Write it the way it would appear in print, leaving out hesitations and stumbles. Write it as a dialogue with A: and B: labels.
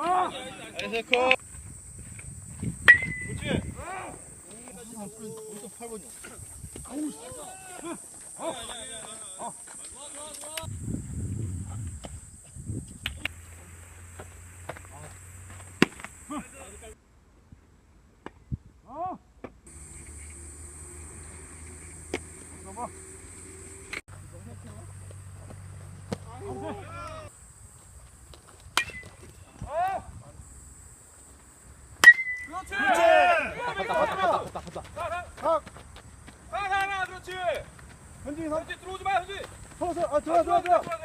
A: 나이스 컷. 그렇지. 어디서 8번이야?
B: 그렇지.
A: 현진이
B: 현지 들어오지 마 현지.
A: 서서 들어와.